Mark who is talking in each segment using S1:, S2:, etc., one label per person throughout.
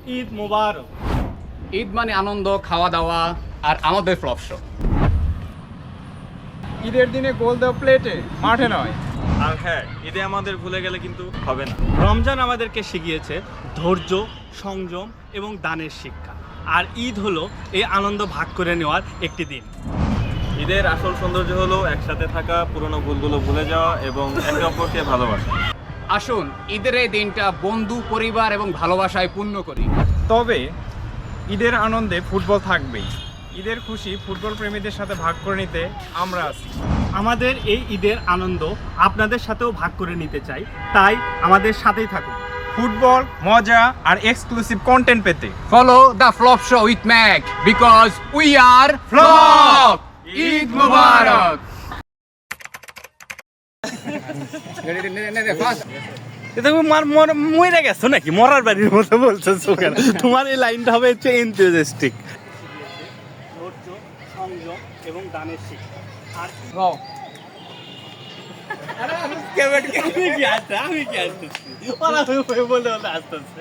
S1: ঈদ মোবারক।
S2: ঈদ মানে আনন্দ, খাওয়া দাওয়া আর আমাদের ফ্লপ শো।
S3: ঈদের দিনে গোল দেওয়া প্লেটে, মাঠে নয়।
S1: আর হ্যাঁ, ঈদে আমাদের ভুলে গেলে কিন্তু হবে না। রমজান আমাদেরকে শিখিয়েছে ধৈর্য, সংযম এবং দানের শিক্ষা। আর ঈদ হলো এই আনন্দ ভাগ করে নেওয়ার একটি দিন।
S4: ঈদের আসল সৌন্দর্য হলো একসাথে থাকা, পুরনো ভুলগুলো ভুলে যাওয়া এবং একে অপরকে ভালোবাসা।
S2: আসুন ঈদের এই দিনটা বন্ধু, পরিবার এবং ভালোবাসায় পূর্ণ করি।
S3: তবে ঈদের আনন্দে ফুটবল থাকবেই। ঈদের খুশি ফুটবল প্রেমীদের সাথে ভাগ করে নিতে আমরা আছি।
S1: আমাদের এই ঈদের আনন্দ আপনাদের সাথেও ভাগ করে নিতে চাই, তাই আমাদের সাথেই থাকুন।
S3: ফুটবল, মজা আর এক্সক্লুসিভ কন্টেন্ট পেতে
S2: Follow the flop show with Mac because we are Flop! Eid Mubarak!
S1: তুমি মরে গেছো নাকি? মরার বাড়ির মতো বলছো কেন? তোমার এই লাইনটা হবে হচ্ছে এনথুজিয়াস্টিক। ধৈর্য, সংযম এবং দানের শিক্ষা। আর আমি কি আসতেছি? ওরা বলতে আসতেছে।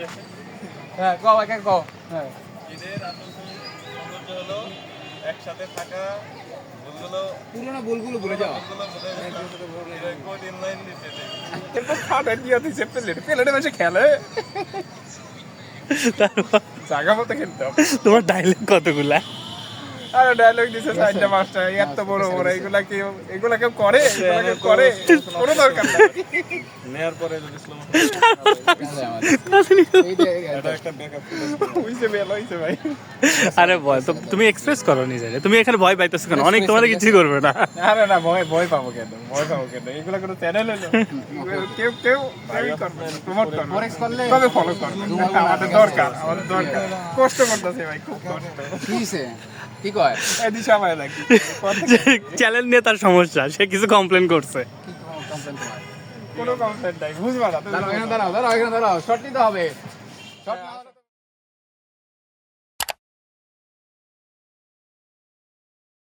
S4: ঈদের আসল সৌন্দর্য হলো একসাথে থাকা, ভুলগুলো
S2: পুরোনো ভুলগুলো ভুলে যাওয়া।
S4: ইনলাইন দিতে চাই।
S3: জায়গা মতো খেলতে হবে।
S1: তোমার ডায়লগ কতগুলা?
S3: আরে ডায়লগ দিছে 4টা 5টা, এত বড় বড় এগুলা কেউ করে? এগুলা কেউ করে? কোনো দরকার নাই।
S4: নেয়ার পরে যদি স্লো এটা একটা ব্যাকআপ
S3: হইছে বেল হইছে ভাই।
S1: আরে ভয় তো তুমি এক্সপ্রেস করো নিজে। তুমি এখানে ভয় পাইতেছো কেন? অনেক তোমার কিছু করবে না।
S3: আরে না, ভয় পাবো কেন? এগুলা কোনো চ্যানেল হলো? কেউ প্রমোট করবে, তবে ফলো করবে। আমাদের দরকার। কষ্ট করতেছে ভাই, খুব কষ্ট।
S2: কি কয়?
S3: এই দিশা পায় নাকি?
S1: চ্যানেল নিয়ে তার সমস্যা, সে কিছু কমপ্লেন করছে।
S3: কোনো কমপ্লেন্ট নাই, বুঝবা না।
S2: দাঁড়াও, এখানে দাঁড়াও, শর্ট নিতে হবে। শর্ট